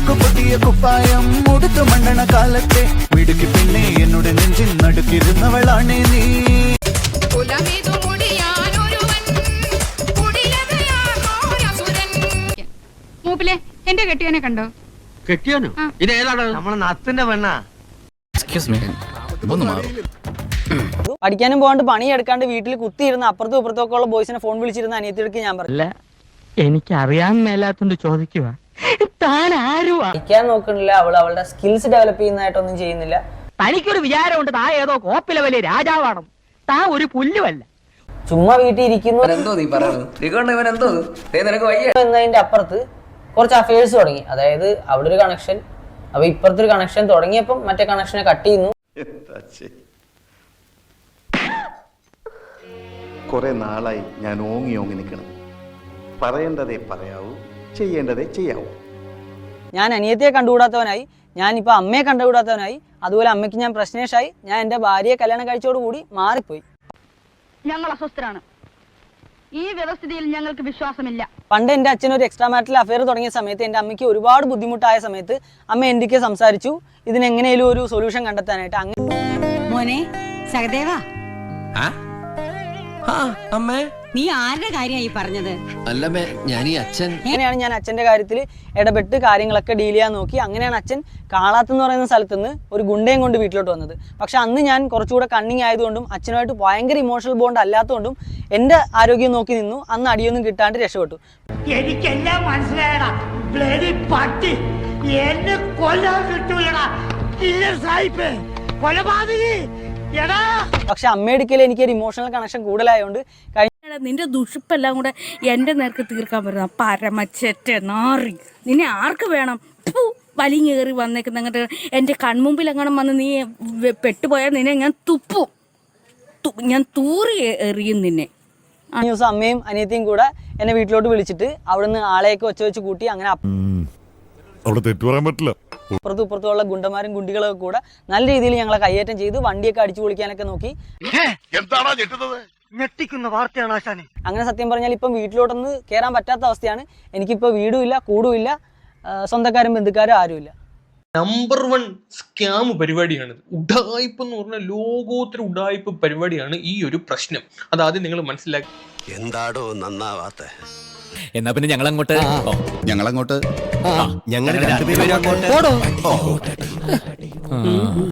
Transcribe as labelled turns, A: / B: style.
A: ഉരുക്കു പൊട്ടിയ കുപ്പായം മുടുത്തു മണ്ണണ കാലത്തെ മിടുക്കി പെണ്ണെ എന്നോട് നെഞ്ചിൽ നടുക്കിരുന്നവളാണേ നീ.
B: മൂപ്പിലെ എന്റെ കെട്ടിയനെ കണ്ടോ?
C: കെട്ടിയാനോ? ഇത് ഏതാണ്? നമ്മളെ നത്തിന്റെ പെണ്ണാ.
D: പഠിക്കാനും പോകാണ്ട് പണിയെടുക്കാണ്ട് വീട്ടിൽ കുത്തിയിരുന്ന അപ്പുറത്തും ഇപ്പുറത്തും ഒക്കെ ഉള്ള ബോയ്സിനെ ഫോൺ വിളിച്ചിരുന്ന അനിയത്തിയെടുക്ക് ഞാൻ പറഞ്ഞു.
C: എനിക്ക് അറിയാൻ മേലാത്തോണ്ട് ചോദിക്കുക, താൻ ആരുവാ?
D: പഠിക്കാൻ നോക്കണില്ല, അവളുടെ സ്കിൽസ് ഡെവലപ്പ് ചെയ്യുന്നതായിട്ടൊന്നും ചെയ്യുന്നില്ല.
C: തനിക്കൊരു വിചാരമുണ്ട് താ ഏതോ കോപ്പിലെ വലിയ രാജാവാണ്, താ ഒരു പുല്ലുമല്ല.
D: ചുമ്മാ വീട്ടിൽ ഇരിക്കുന്നു എന്നതിന്റെ അപ്പുറത്ത് കുറച്ച് അഫയേഴ്സ് തുടങ്ങി. അതായത് അവിടെ ഒരു കണക്ഷൻ, അപ്പൊ ഇപ്പുറത്തെ ഒരു കണക്ഷൻ തുടങ്ങിയപ്പം മറ്റേ കണക്ഷനെ കട്ട് ചെയ്യുന്നു.
E: കുറെ നാളായി ഞാൻ ഓങ്ങി നിൽക്കണം. പറയേണ്ടതേ പറയാവൂ, ചെയ്യേണ്ടതേ ചെയ്യാവൂ.
D: ഞാൻ അനിയത്തിയെ കണ്ടുകൂടാത്തവനായി, ഞാൻ ഇപ്പൊ അമ്മയെ കണ്ടുകൂടാത്തവനായി, അതുപോലെ അമ്മയ്ക്ക് ഞാൻ പ്രശ്നേഷായി. ഞാൻ എന്റെ ഭാര്യയെ കല്യാണം കഴിച്ചോടുകൂടി മാറിപ്പോയി.
B: ഞങ്ങൾ അസ്വസ്ഥരാണ്. ഈ വ്യവസ്ഥിതിയിൽ ഞങ്ങൾക്ക് വിശ്വാസമില്ല.
D: പണ്ട് എന്റെ അച്ഛൻ ഒരു എക്സ്ട്രാ മാരിറ്റൽ അഫെയർ തുടങ്ങിയ സമയത്ത് എന്റെ അമ്മയ്ക്ക് ഒരുപാട് ബുദ്ധിമുട്ടായ സമയത്ത് അമ്മ എന്തൊക്കെ സംസാരിച്ചു ഇതിനെങ്ങനെയും ഒരു സൊല്യൂഷൻ കണ്ടെത്താനായിട്ട്.
F: മോനെ സഹദേവാ,
G: അമ്മേ
F: നീ ആരുടെ കാര്യമായി പറഞ്ഞത്?
G: അല്ലമ്മേ, ഞാൻ ഈ അച്ഛൻ
D: അങ്ങനെയാണ് ഞാൻ അച്ഛന്റെ കാര്യത്തിൽ ഇടപെട്ട് കാര്യങ്ങളൊക്കെ ഡീൽ ചെയ്യാൻ നോക്കി. അങ്ങനെയാണ് അച്ഛൻ കാളാത്ത് എന്ന് പറയുന്ന സ്ഥലത്ത് നിന്ന് ഒരു ഗുണ്ടയും കൊണ്ട് വീട്ടിലോട്ട് വന്നത്. പക്ഷെ അന്ന് ഞാൻ കുറച്ചുകൂടെ കണ്ണിങ് ആയതുകൊണ്ടും അച്ഛനുമായിട്ട് ഭയങ്കര ഇമോഷണൽ ബോണ്ട് അല്ലാത്തതുകൊണ്ടും എന്റെ ആരോഗ്യം നോക്കി നിന്നു. അന്ന് അടിയൊന്നും കിട്ടാണ്ട് രക്ഷപ്പെട്ടു.
C: എനിക്കെല്ലാം മനസ്സിലായടാ, ബ്ലഡി പട്ടി എന്നെ കൊല്ലാൻ കിട്ടൂലടാ, സായിപ്പ് കൊലപാതകി.
D: പക്ഷെ അമ്മയെടുക്കൽ എനിക്ക് ഒരു ഇമോഷണൽ കണക്ഷൻ കൂടുതലായതുകൊണ്ട്
H: നിന്റെ ദുഷിപ്പെല്ലാം കൂടെ എൻ്റെ നേർക്ക് തീർക്കാൻ പറ്റുന്ന പരമച്ചെറ്റ നാറി, നിന്നെ ആർക്ക് വേണം? വലിഞ്ഞേറി വന്നേക്കുന്ന അങ്ങോട്ട് എൻ്റെ കൺമുമ്പിൽ എങ്ങനെ വന്ന് നീ പെട്ടുപോയാൽ നിന്നെ ഞാൻ തുപ്പും, ഞാൻ തൂറി എറിയും നിന്നെ.
D: ആ ദിവസം അമ്മയും അനിയത്തിയും കൂടെ എന്നെ വീട്ടിലോട്ട് വിളിച്ചിട്ട് അവിടുന്ന് ആളെയൊക്കെ വെച്ച് കൂട്ടി. അങ്ങനെ അപ്പുറത്തും ഇപ്പുറത്തുള്ള ഗുണ്ടന്മാരും ഗുണ്ടികളൊക്കെ കൂടെ നല്ല രീതിയിൽ ഞങ്ങളെ കയ്യേറ്റം ചെയ്ത് വണ്ടിയൊക്കെ അടിച്ചു പൊളിക്കാനൊക്കെ നോക്കി.
C: ഞെട്ടിക്കുന്ന വാർത്തയാണ് ആശാനെ.
D: അങ്ങനെ സത്യം പറഞ്ഞാൽ ഇപ്പം വീട്ടിലോട്ടൊന്ന് കയറാൻ പറ്റാത്ത അവസ്ഥയാണ്. എനിക്കിപ്പോൾ വീടുമില്ല, കൂടുമില്ല, സ്വന്തക്കാരും ബന്ധുക്കാരും ആരുമില്ല.
I: നമ്പർ 1 സ്കാം പരിപാടിയാണ്. ഉഡായിപ്പ് എന്ന് പറഞ്ഞ ലോകോത്തര ഉഡായിപ്പ് പരിപാടിയാണ് ഈ ഒരു പ്രശ്നം. അതാദ്യം നിങ്ങൾ മനസ്സിലാക്കി.
G: എന്താടോ നന്നാവാത്ത?
J: എന്നാ പിന്നെ ഞങ്ങളങ്ങോട്ട്
G: ഞങ്ങൾ രണ്ടുപേരും അങ്ങോട്ട്